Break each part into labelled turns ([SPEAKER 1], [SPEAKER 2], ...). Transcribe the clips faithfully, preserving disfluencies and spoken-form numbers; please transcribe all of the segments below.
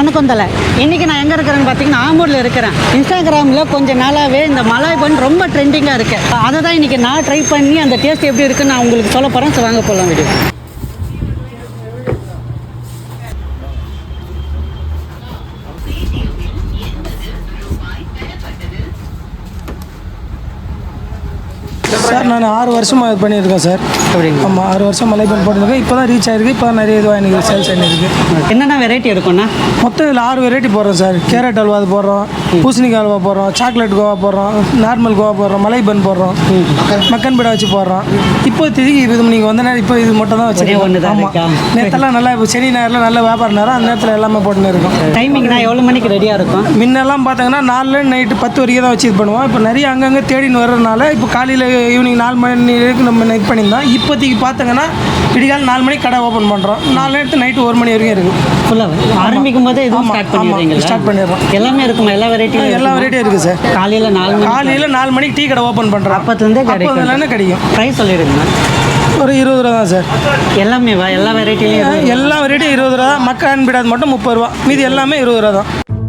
[SPEAKER 1] வணக்கம் தலை. இன்றைக்கி நான் எங்கே இருக்கிறேன்னு பார்த்தீங்கன்னா ஆம்பூரில் இருக்கிறேன். இன்ஸ்டாகிராமில் கொஞ்சம் நாளாகவே இந்த மலாய் பன் ரொம்ப ட்ரெண்டிங்காக இருக்குது. அதை தான் இன்றைக்கி நான் ட்ரை பண்ணி அந்த டேஸ்ட் எப்படி இருக்குன்னு நான் உங்களுக்கு சொல்ல போகிறேன். ஸோ வாங்க போகலாம் வீடியோ.
[SPEAKER 2] சார் நான் ஆறு வருஷமாக இது பண்ணியிருக்கேன் சார்.
[SPEAKER 1] அப்படிங்களா?
[SPEAKER 2] ஆமாம், ஆறு வருஷம் மலை பண்ணி போட்டிருக்கேன். இப்போ தான் ரீச் ஆகிருக்கு. இப்போ தான் நிறைய இதுவாக எனக்கு சேல்ஸ் ஆகிருக்கு.
[SPEAKER 1] என்னென்ன வெரைட்டி இருக்குண்ணா?
[SPEAKER 2] மொத்தம் இதில் ஆறு வெரைட்டி போடுறோம் சார். கேரட் அல்வா அது போடுறோம், பூசணிக்காய் அல்வா போடுறோம், சாக்லேட் கோவா போடுறோம், நார்மல் கோவா போடுறோம், மலை பன் போடுறோம், மக்கன் பீடா வச்சு போடுறோம். இப்போ திரும்பி இது நீங்கள் வந்த நேரம் இப்போ இது மட்டும் தான் வச்சுருக்கோம். ஆமாம், நேரத்தெல்லாம் நல்லா இப்போ சனி நேரில் நல்ல வியாபாரம் நேரம் அந்த நேரத்தில் எல்லாமே போட்டுன்னு இருக்கும்.
[SPEAKER 1] டைமிங்னா எவ்வளோ மணிக்கு ரெடியாக இருக்கும்?
[SPEAKER 2] முன்னெல்லாம் பார்த்தீங்கன்னா நாலு நைட்டு பத்து வரைக்கும் தான் வச்சு இது பண்ணுவோம். இப்போ நிறைய அங்கங்கே தேடின்னு வர்றதுனால இப்போ காலையில் ஈவினிங் நாலு மணி வரைக்கும் நம்ம இது பண்ணியிருந்தோம். இப்போதைக்கு பார்த்தீங்கன்னா விடிகால் நாலு மணிக்கு கடை ஓப்பன் பண்ணுறோம். நாலு நேரத்து நைட்டு ஒரு மணி வரைக்கும் இருக்குது.
[SPEAKER 1] ஃபுல்லாக ஆரம்பிக்கும் போது இதுவும் ஸ்டார்ட் பண்ணிடுறீங்களா?
[SPEAKER 2] ஸ்டார்ட் பண்ணிடுறோம்.
[SPEAKER 1] எல்லாமே இருக்குமா? எல்லா வெரைட்டியும்
[SPEAKER 2] எல்லா வெரைட்டியும் இருக்குது சார்.
[SPEAKER 1] காலையில் நாலு மணி
[SPEAKER 2] காலையில் நாலு மணிக்கு டீ கடை ஓப்பன் பண்ணுறோம்.
[SPEAKER 1] அப்போத்துலேருந்தே கிடைக்கும்.
[SPEAKER 2] அப்போதுலேருந்து கிடைக்கும்.
[SPEAKER 1] ப்ரைஸ் சொல்லிடுங்க.
[SPEAKER 2] ஒரு இருபது ரூபா தான் சார்.
[SPEAKER 1] எல்லாமே வா எல்லா வெரைட்டிலையும்
[SPEAKER 2] எல்லா வெரைட்டியும் இருபது ரூபா தான். மக்கள் பிடாது மட்டும் முப்பது ரூபா, மீதி எல்லாமே இருபது ரூபா தான்.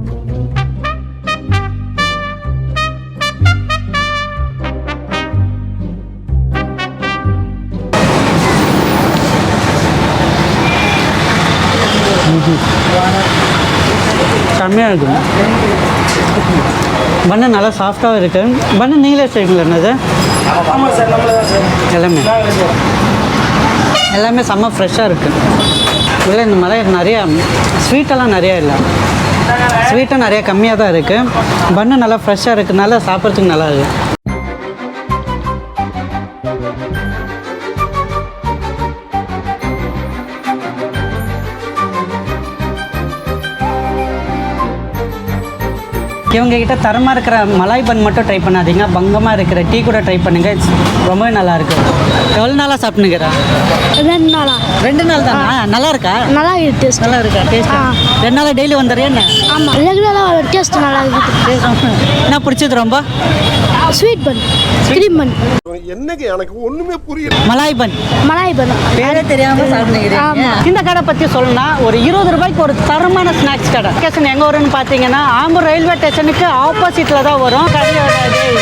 [SPEAKER 1] செம்மையாக இருக்கும். பண்ணு நல்லா சாஃப்டாகவும் இருக்குது. பண்ணு நீங்களே செய்வீங்களா? என்னது?
[SPEAKER 2] ஆமாம் சார், நம்மள தான் சார்.
[SPEAKER 1] எல்லாமே எல்லாமே செம்ம ஃப்ரெஷ்ஷாக இருக்குது. இல்லை இந்த மலை நிறையா ஸ்வீட்டெல்லாம் நிறையா இல்லை, ஸ்வீட்டும் நிறையா கம்மியாக தான் இருக்குது. பண்ணு நல்லா ஃப்ரெஷ்ஷாக இருக்குதுனால சாப்பிட்றதுக்கு நல்லா இருக்குது. இவங்க கிட்ட தரமாக இருக்கிற மலாய் பன் மட்டும் ட்ரை பண்ணாதீங்க, பங்கமாக இருக்கிற டீ கூட ட்ரை பண்ணுங்க. ரொம்பவே நல்லா இருக்கு. எவ்வளோ நாளாக சாப்பிட்டுக்கிறா?
[SPEAKER 3] ரெண்டு நாளா?
[SPEAKER 1] ரெண்டு நாள் தானா? நல்லா இருக்கா?
[SPEAKER 3] நல்லா இருக்கு. டேஸ்ட்
[SPEAKER 1] நல்லா இருக்கா? டேஸ்ட் ரெண்டு நாளாக டெய்லி வந்துடுறியா என்ன?
[SPEAKER 3] ஆமாம், ரெகுலராக டேஸ்ட் நல்லா இருக்குது.
[SPEAKER 1] என்ன பிடிச்சது ரொம்ப?
[SPEAKER 3] Sweet bun, cream bun.
[SPEAKER 4] என்னங்க எனக்கு ஒண்ணுமே புரியல.
[SPEAKER 1] மலாய் பன்.
[SPEAKER 3] மலாய் பன்
[SPEAKER 1] பேரே தெரியாம சாப்பிடுறீங்க. இந்த கடை பற்றி சொல்லணும்னா ஒரு இருபது ரூபாய்க்கு ஒரு தரமான ஸ்நாக்ஸ் கடை. லொகேஷன் எங்கே வரும்னு பார்த்தீங்கன்னா ஆம்பூர் ரயில்வே ஸ்டேஷனுக்கு ஆப்போசிட்டில் தான் வரும். கடையோட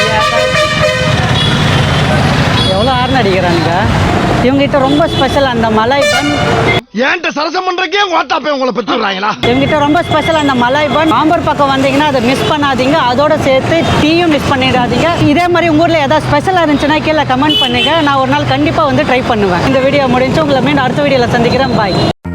[SPEAKER 1] எவ்வளோ ஆர்ன் அடிக்கிறானுங்க. இவங்ககிட்ட ரொம்ப ஸ்பெஷல் அந்த மலாய் பன்.
[SPEAKER 4] ஏன்ட்ட சரசம் பண்றக்கே வாட்டாப்பே உங்களை பெற்றுறாங்களா?
[SPEAKER 1] இவங்ககிட்ட ரொம்ப ஸ்பெஷல் அந்த மலாய் பன். ஆம்பூர் பக்கம் வந்தீங்கன்னா அதை மிஸ் பண்ணாதீங்க. அதோட சேர்த்து டீயும் மிஸ் பண்ணிடாதீங்க. இதே மாதிரி உங்கள் ஊரில் ஏதாவது ஸ்பெஷலாக இருந்துச்சுன்னா கீழே கமெண்ட் பண்ணுங்க. நான் ஒரு நாள் கண்டிப்பாக வந்து ட்ரை பண்ணுவேன். இந்த வீடியோ முடிஞ்சு உங்களை மீண்டும் அடுத்த வீடியோவில் சந்திக்கிறேன். பாய்.